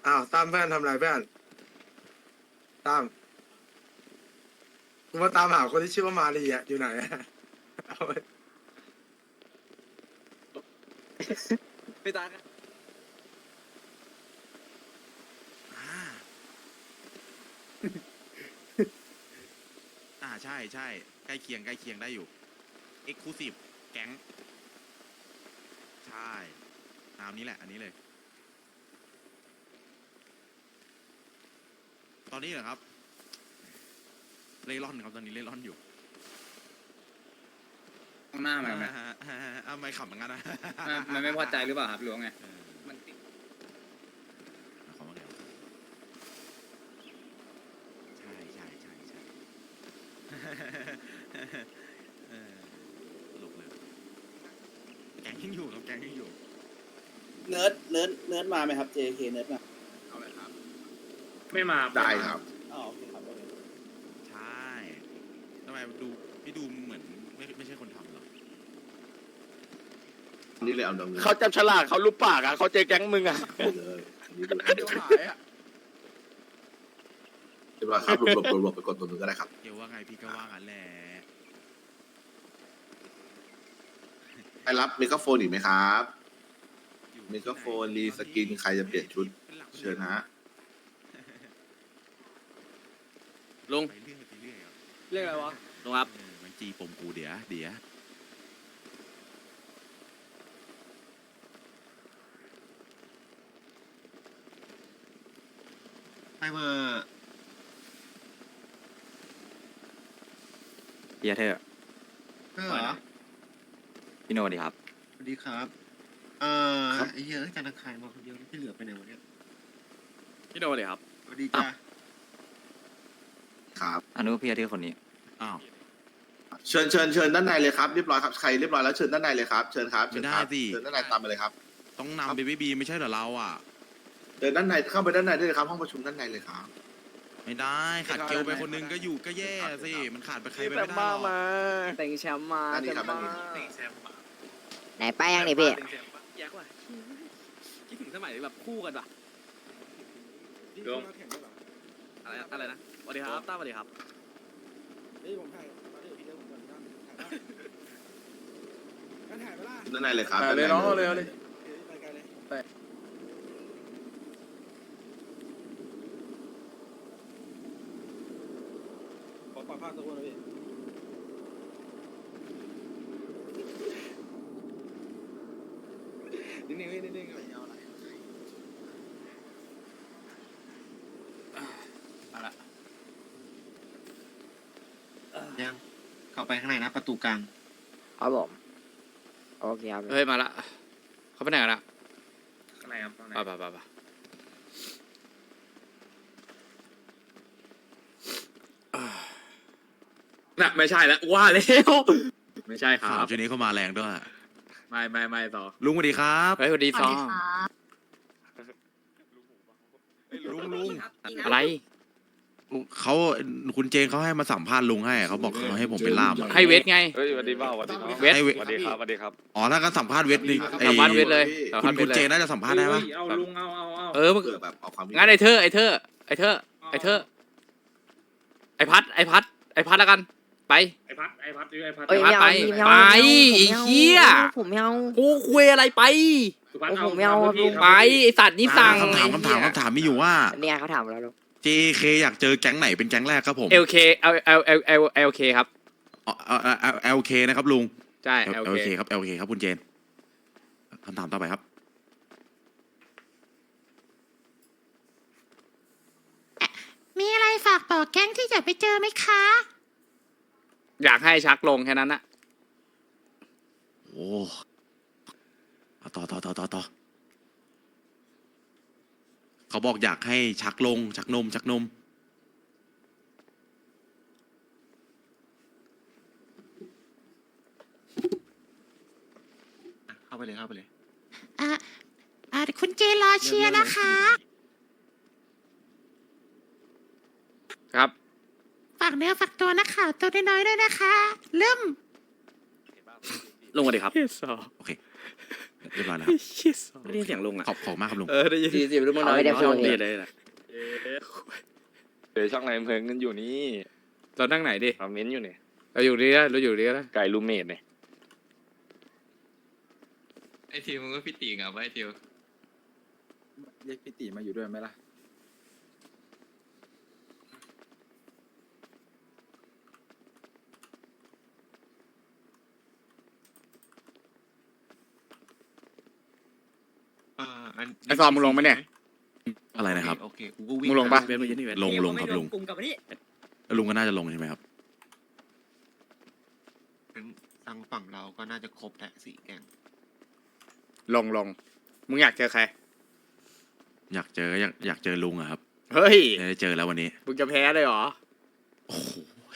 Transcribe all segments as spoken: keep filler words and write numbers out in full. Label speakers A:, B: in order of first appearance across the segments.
A: อ้าวตามเพื่อนทำไรเพื่อนตามกูมาตามหาคนที่ชื่อว่ามารีอ่ะอยู่ไหนอะเอาไป
B: ไม่ตาย
C: อ่าอ่าใช่ใช่ใกล้เคียงใกล้เคียงได้อยู่ Exclusive แก๊งใช่ตามนี้แหละอันนี้เลย ตอนนี้เหรอครับ เล่ร่อนครับตอนนี้เล่ร่อนอยู่
B: ข้างหน้ามันไหม
C: อ้าวไม่ขำเหมือนกันนะ
B: มันไม่พอใจหรือเปล่าครับหรือว่าไง
C: เออ
B: มันติด
C: ขอมาแล้วใช่ใช่ใช่ใช่เออตลกเลยแกงยังอยู่ครับแกงยังอยู่
D: เนิร์ดเนิร์ดเนิร์ดมาไหมครับ เจ เค เนิร์ดมา
C: เอาเลยครับ
E: ไม่มา
F: ได้ครับ
D: อ๋อโอเคครับโอเค
C: ใช่ทำไมดูพี่ดูเหมือนไม่ไม่ใช่คนทำหรอ
F: นี่เลยเอาดำเนิน
G: เขาจับฉลากเขารูปปากอ่ะเขาเจอแก๊งมึงอ่ะ
F: เลยนี่เลย
C: เดี๋ยวหายอ่ะ
F: เรียบร้อยครับรวบรวบรวบไปกดตัวหนึงก็ได้ครับ
C: เดี๋ยวว่าไงพี่ก็ว่างั้นแหละ
F: ไปรับเมกะโฟนอีกไหมครับเมกะโฟนรีสกินใครจะเปลี่ยนชุดเชิญฮะ
G: ลุง
C: ไปเรื่อยไปเรื่อยครับ
B: เรียกอะไรวะ
G: ลุงครับ
C: เออมันจีปมกูเดี๋ยวเดี๋ยว
H: ไอเวอร์
B: เฮียเธอ
H: เออเหรอ
B: พี่โนดีครับ
H: สวัสดีครับ เอ่อไอ้เหี้ยอะการตะไคร่มาคนเดียวที่เหลือไปไหนวะเนี่ย
B: พี่โนดีครับ
H: สวัสดีจ้า
F: ครับ
B: อนุพี่อาทิตย์คนนี้
C: อ้าว
F: เชิญเชิญเชิญด้านในเลยครับเรียบร้อยครับใครเรียบร้อยแล้วเชิญด้านในเลยครับเชิญครับเชิญครับเชิญด้านในตามมาเลยครับ
C: ต้องนำเบบี้บีไม่ใช่เหรอเราอ่ะ
F: เดินด้านในเข้าไปด้านในได้เลยครับห้องประชุมด้านในเลยครับ
C: ไม่ได้ขาดเกลไปคนนึงก็อยู่ก็แย่สิมันขาดไปใครไปไม่ได้หร
G: มา
C: อก
G: มา
B: เต็งแชมป์มา
F: ด้านนี้ครับด้านนี้
I: ไหนไปยังนี่พี่
B: แยกว่ะคิดถึงสมัยแบบคู่กันป่ะ
A: ลง
B: อะไรอะไรนะสวัสดีครับต้าสวัสดีครับ
A: นี่ผมถ่ายมาเดี๋ยวพี่เดี๋ยวผมก่อนนะถ่ายได้กันถ่ายไปล่ะ
F: ด้านในเลยครับ
G: เลยน้องเลยเลย
A: เดี๋ยวไปไกลเลย
G: ไป
A: ขอปรับภาพตัวนะพี่นิ่งๆพี่นิ่งๆเอาเอาละ
B: เอาละ
H: ยังเข้าไปข้างในนะประตูกลาง
I: ครับผมโอเคครับ
G: เฮ้ยมาละเขาไปไหนกันละ
E: ข้างในครับข้างใน
G: ไปไปไปไปน่ะไม่ใช่แล้วว่าแล้วไม่ใช่ครั
C: ข่าว
G: บ
C: ช่วงนี้เข้ามาแรงด้วย
G: ไม่ไม่ไม่ต่อ
C: ลุงสวัสดีครับ
G: เฮ้ยสวัสดีซอง
C: ลุงลุง
G: อะไร
C: เขาคุณเจนเขาให้มาสัมภาษณ์ลุงให้เขาบอกเขาให้ผมเป็นล่ามอะ
G: ให้เวทไง
E: เฮ้ยสวัสดีบ้าสวัสดีน้อง
G: เวท
C: ให้เวท
E: สวัสดีครับสวัสดีครับ
C: อ๋อถ้าก็สัมภาษณ์เวทนี่ไอ้
G: สัมภาษณ์เวทเลยสัม
C: คุ
G: ภาษ
C: ณ
G: ณ์เว
C: คุ
G: ท
C: ณ
G: เล
C: เจ
G: ย
C: นน่าจะสัมภาษณ์ได้ปะ
E: เอาลุงเอาเอาเอา
G: เออมึง
F: เผื่อแบบเอาความ
G: งั้นไอ้เธอไอ้เธอไอ้เธอไอ้เธอไอ้พัดไอ้พัดไอ้พัดแล้วกันไป
E: ไอพัดไอพัดไอพัด
I: เอ้ย
G: ไป
I: ไม่เอา
G: ไป
I: พี่ไม่เอา
G: ไป
I: ไม่เอา
G: ไอ้เหี้ย
I: ผมไม่เอา
G: กูคุยอะไรไป
E: สุพัฒน์
I: โอ้
E: เอา
I: ผมไม่เอา
E: ทำพี่
I: ลุง
E: ทำ
G: ไป
E: พี่
G: ไอ้สัตว์นี่สั่ง
C: คำถามคำถามคำถามมีอยู่ว่า
I: เนี่ยเขาถามเราลูก
C: เจ เค อยากเจอแก๊งไหนเป็นแก๊งแรกครับผม
G: เอลเคเอลเอลเอลเอลเอลเคครับ
C: อ๋อเอลเคนะครับลุง
G: ใช่เอล
C: เอล
G: เค
C: เคครับเอลเคครับคุณเจนคำถามต่อไปครับ
I: มีอะไรฝากต่อแก๊งที่จะไปเจอไหมคะ
G: อยากให้ชักลงแค่นั้นนะ
C: โอ้เอาต่อต่อต่อต่อต่อเขาบอกอยากให้ชักลง ชักนม ชักนม
H: เข้าไปเลยเข้าไปเลย
I: อ่ะอ่ะคุณเจรอเชียร์นะคะ
G: ครับ
I: ฝากเนื้อฝากตัวนักข่าวตัวน้อยๆด้วยนะคะ เริ่ม
G: ลงมาดิครับ
C: โอเคเรียบร้อยแล้วครับ
G: เชี่ยสอง
B: ไม่ได้ยินเสียงลุงอ่ะ
C: ขอบขอบมากครับลุง
G: เออได้ยิน
A: สี่สิบลูกมัน
B: เอา
A: น้อย
B: ไม่ได้
A: น้
B: พู
A: อ
B: ด
A: ง
B: เล
A: เลย ย
B: เลยนะ
E: เดี๋ยวช่องไหนเพิ่งกันอยู่นี่
G: เรานั่งไหนดิ
E: เอาเม้นอยู่เนี่ย
G: เราอยู่นี่นะเราอยู่นี่นะ
E: ไก่ลูเมดเนี่ย
J: ไอทิวมึงก็พี่ตีกับไอทิว
A: เรียกพี่ตีมาอยู่ด้วยไหมล่ะ
J: อ่าอัน
G: ไอ้ซอมมึงลงไหมเนี่ย
C: อะไรนะครับ
J: โอเคกูก็วิ่ง
G: มึงลงปะ
B: เว้นมาเยอะนี่เว้น
C: ลงลงครับลุง
B: กลุ่มกับนี่
C: ลุงก็น่าจะลงใช่ไหมครับ
H: งั้นทางฝั่งเราก็น่าจะครบแหละสี่แกง
G: ลงลงมึงอยากเจอใคร
C: อยากเจออยากอยากเจอลุงอะครับ
G: เฮ้ย
C: ได้เจอแล้ววันนี้
G: มึงจะแพ้เลยเหรอ
C: โอ้โห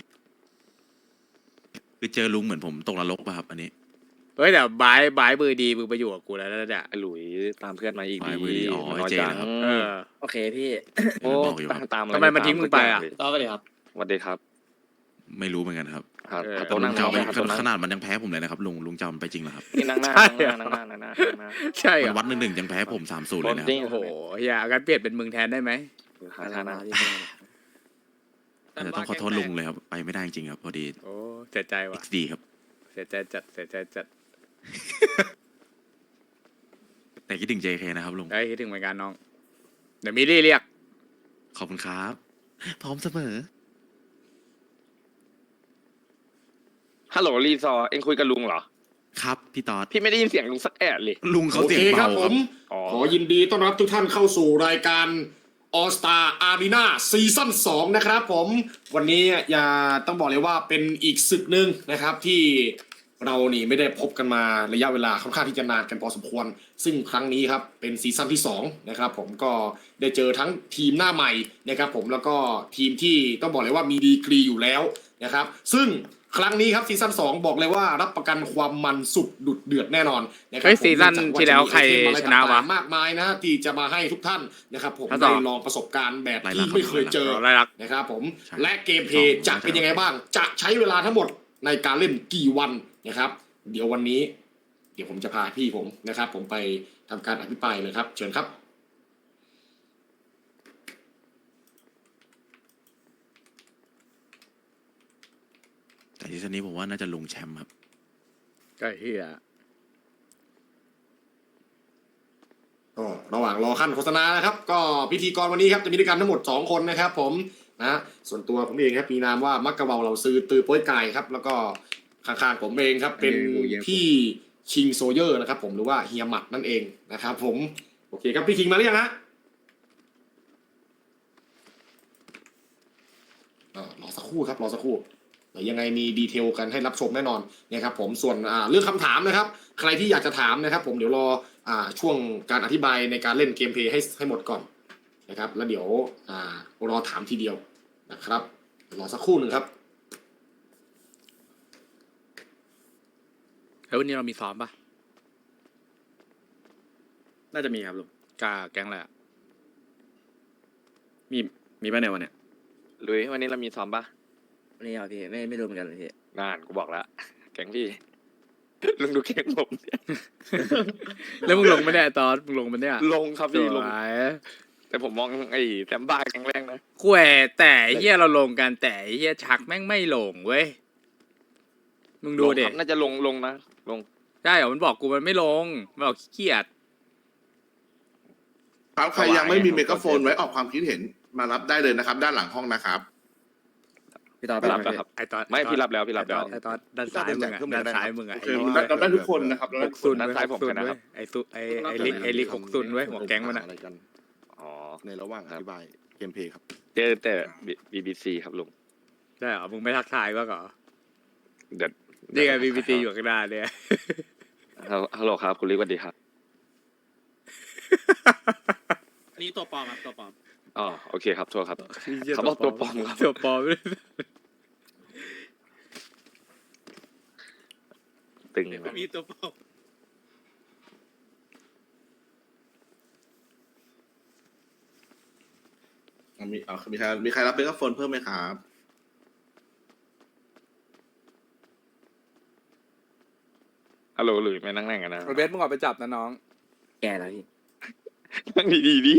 C: คือเจอลุงเหมือนผมตกนรกป่ะครับ อันนี้
G: เฮ้ยแต่บายบายมือดีมึงไปอยู่กับกูแล้วนะเนี่ย
E: ไอ้หลุยตามเพื่อนมาอีก
C: บายมือดีอ๋อ
E: มันน้อย
C: เจ
E: จัง
C: นะครับ
G: เออ
B: โอเคพี่
E: โอ้
C: บอกอยู่ครับ
E: ตามอะร
G: ทำไมมันทิ้งมึงไปอะ
B: ต่อไปเลยครับ
E: สวัสดีครับ
C: ไม่รู้เหมือนกันครับ
E: ครับ
G: เออ
E: เอา
C: แต่
E: โต๊ะ
C: ลุ
E: นั่
C: ง
E: ง
C: จะเอาไป
E: ครับโต๊ะนั่ง
C: ขนาดมันยังแพ้ผมเลยนะครับลุงลุงจะเอามันไปจริงเหรอครับ
E: นี่นั่งหน้า
G: ใช่
E: นั่งหน้านั่งหน้านั่งหน้า
G: ใช่เหร
C: มั
G: อน
C: วัดหนึ่งหนึ่งยังแพ้ผมสามศูนย์เลยนะครับ
E: จริง
G: โอ้โหอย่ากันเปลี่ยนเป็นมึงแทนได้ไหม
E: หาทางนะ
C: อาจจะต้องขอโทษลุงเลยครับ ไปไม่ได้จริงๆครับพอดี
G: โอ้เสียใจว่ะ
C: เอ็กซ์ดีครับ
G: เสียใจจัดเสียใจจัด
C: แต่คิดถึง เจ เค นะครับลุง
G: เอ้ยคิดถึงเหมือนกันน้องเดี๋ยวมิลลี่เรียก
C: ขอบคุณครับ พร้อมเสมอ
E: ฮัลโหลรีซอร์เอ็งคุยกับลุงเหรอ
C: ครับพี่ตอด
E: พี่ไม่ได้ยินเสียงลุงสักแอะเลย
C: ลุงเขา
K: โอ
C: เสีย
K: เค
C: ง
K: ครั
C: เบา
K: บผ
C: ครับ
K: ม
E: อ๋อ
K: ขอยินดีต้อนรับทุกท่านเข้าสู่รายการ All Star Arena ซีซั่นสองนะครับผม วันนี้อย่าต้องบอกเลยว่าเป็นอีกศึกหนึ่งนะครับที่เรานี่ไม่ได้พบกันมาระยะเวลาค่อนข้างที่จะนานกันพอสมควร ซึ่งครั้งนี้ครับเป็นซีซั่นที่สองนะครับผมก็ได้เจอทั้งทีมหน้าใหม่นะครับผมแล้วก็ทีมที่ต้องบอกเลยว่ามีดีกรีอยู่แล้วนะครับซึ่งครั้งนี้ครับซีซั่นสองบอกเลยว่ารับประกันความมันสุดดุดเดือดแน่นอนนะครั
G: เฮ้ยซีซั่นที่แล้วใครชนะวะ
K: มากมายนะที่จะมาให้ทุกท่านนะครับผม
G: ถ้าต่
K: ได้
G: อ
K: ลองประสบการณ์แบบ
C: ไล่ลั
K: ที่
C: ก
K: ไม่เคยเจอ
G: อะไรลัก
K: นะครับผม
C: ใช่
K: และเกมเพลย์จะเป็นยังไงบ้าง จะใช้เวลาทั้งหมดในการเล่นกี่วันนะครับ เดี๋ยววันนี้ เดี๋ยวผมจะพาพี่ผมนะครับ ผมไปทำการอภิปรายเลยครับ เชิญครับ
C: แต่ที่ซันนี้ผมว่าน่าจะลุงแชมป์ครับ
G: ก็เฮีย
K: ก็ระหว่างรอขั้นโฆษณานะครับ ก็พิธีกรวันนี้ครับจะมีด้วยกันทั้งหมดสองคนนะครับ ผมนะส่วนตัวผมเองครับมีนามว่ามักกะเบาเราซื้อตือโป้ยไก่ครับ แล้วก็ข้างๆผมเองครับ เป็นพี่คิงโซเยอร์นะครับ ผมหรือว่าเฮียหมัดนั่นเองนะครับ ผมโอเคครับพี่คิงมาหรือยังฮะเอ่อรอสักครู่ครับรอสักครู่เดี๋ยวยังไงมีดีเทลกันให้รับชมแน่นอนนะครับ ผมส่วนอ่าเรื่องคำถามนะครับ ใครที่อยากจะถามนะครับ ผมเดี๋ยวรออ่าช่วงการอธิบายในการเล่นเกมเพลย์ให้ให้หมดก่อนนะครับ แล้วเดี๋ยวอ่ารอถามทีเดียวนะครับรอสักครู่หนึ่งครับ
G: แล้ววันนี้เรามีซ้อมปะ
B: น่าจะมีครับลุง
G: กาแก๊งอะไรอะ
B: มีมีป่ะในวันเนี้ย
E: หลุยวันนี้เรามีซ้อมปะ
B: วันนี้เหรอพี่ไม่ไม่รู้เหมือนกันเลยพี่
E: นานกูบอกแล้วแก๊งพี่ ลุงดูแก๊งผมเนี่ย
G: แล้วมึงลงไม่ได้ตอนมึงลงมันเนี่ย
E: ลงครับ
G: ส
E: พี่ลง
G: วย
E: แต่ผมมองไอ้แซมบ้าแก๊งแรกนะ
G: คุยแต่ไอ้เฮียเราลงกันแต่ไอ้เฮียชักแม่งไม่ลงเว้ยมึงดู
E: ลง
G: ดิ
E: ครับน่าจะลงลงนะลง
G: ได้เหรอมันบอกกูมันไม่ลงมันบอกขี้เกียจ
F: ครับใครยังไม่มีเมกะโฟนไว้ออกความคิดเห็นมารับได้เลยนะครับ ด้านหลังห้องนะครับ
B: พี่ต่อไป
E: ไม่
B: รั
E: รั
B: บบ ไหม
E: แล้ว
B: พี่
E: ครับ
G: ไอ้ตอน
E: ไม่พี่รับแล้วพี่รับแล้ว
G: ไอ้ตอนด้านซ้ายมึงอะด้านซ้ายมึงอะ
F: โอเครับได้ทุกคนนะครับรับ
G: ห
F: ได้
G: ก
F: ทุกค
G: ซุ
F: น
G: น
E: ด้านซ้ายผม
G: หกซุ
E: ชนะ
G: เว้ยไอ้ซุไอ้ไอ้ลิกไอ้ลิกหกซุนเว้ยหัวแก๊งมันอะ
A: อะไรกัน
E: อ๋อ
A: ในระหว่างอธิบายเกมเพลย์ครับ
E: เจอแต่บีบีซีครับลุง
G: ได้เหรอมึงไม่ทักทายบ้างเหรอ
E: เดี๋ยว
G: นี่ไงบีบีตีอยู่ข้างหน้าเนี่ย
E: ฮัลโหลครับคุณลิกสวัสดีครับ
B: อันนี้ตัวปลอมครับตัวปลอม
E: อ๋อโอเคครับโทษครับ เขาบอกตัวปลอมครับ
G: ตัวปลอม
E: ตึง
B: มีตัวปลอม
F: อ่ะมีอ่ะมีใครมีใครรับเมกะโฟนเพิ่มไหมครับ
E: ฮัลโหลหลุยไม่นั่งนั่งกันนะ
G: เบสมึงออกไปจับนะน้อง
B: แกแล้วพี่
E: นั่งดีๆดิ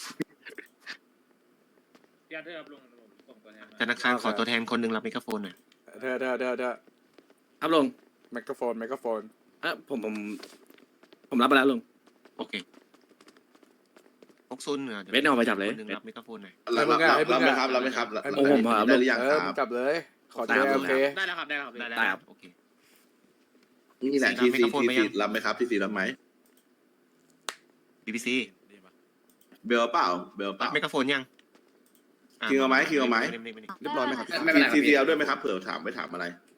H: ธนาคารขอตัวแทนคนหนึ่งรับไมโครโฟนหน่อย
G: เธอเธอเธอเธอ
B: ครับลุง
G: ไมโครโฟนไมโครโฟน
B: เออผมผมผมรับไปแล้วลุง
H: โอเคพกซุนเหรอ
B: เบสเอาไปจับเลย
H: คนหนึ่งรับไมโครโฟนหน่อย
F: รับรับรับรับไหมครับรับไหมครับรับ
B: โอ้ผมครับ
F: ได้หรือยัง
G: เอ
F: ค
G: อ
F: รั
G: มึง
F: บ
G: จับเลย ขอเจโอเค
B: ได้แล้วครับได้แล้วครับ
H: ได้
B: ได้ครับ
H: โอเค
F: นี่แหละ
H: สี่
F: ที
H: รับ
F: ซี
H: ไมโครโฟน
F: ที
H: ไหมยั
F: ซี
H: ง
F: รับไหมครับทีซีรับไหม
H: บีบีซี
F: เบลเปล่าเบลเป
H: รั
F: ล่า
H: บไมโครโฟนยังะ
F: คิงเอาไหมคิงเอาไหม
H: ไม่ได้ไม่ได้
A: เรียบร้อยไหมครับ
B: ไม่เป็นไร
F: ที
B: ครับ
F: ซีเอาด้วยไหมครับเผื่อถามไปถามอะไร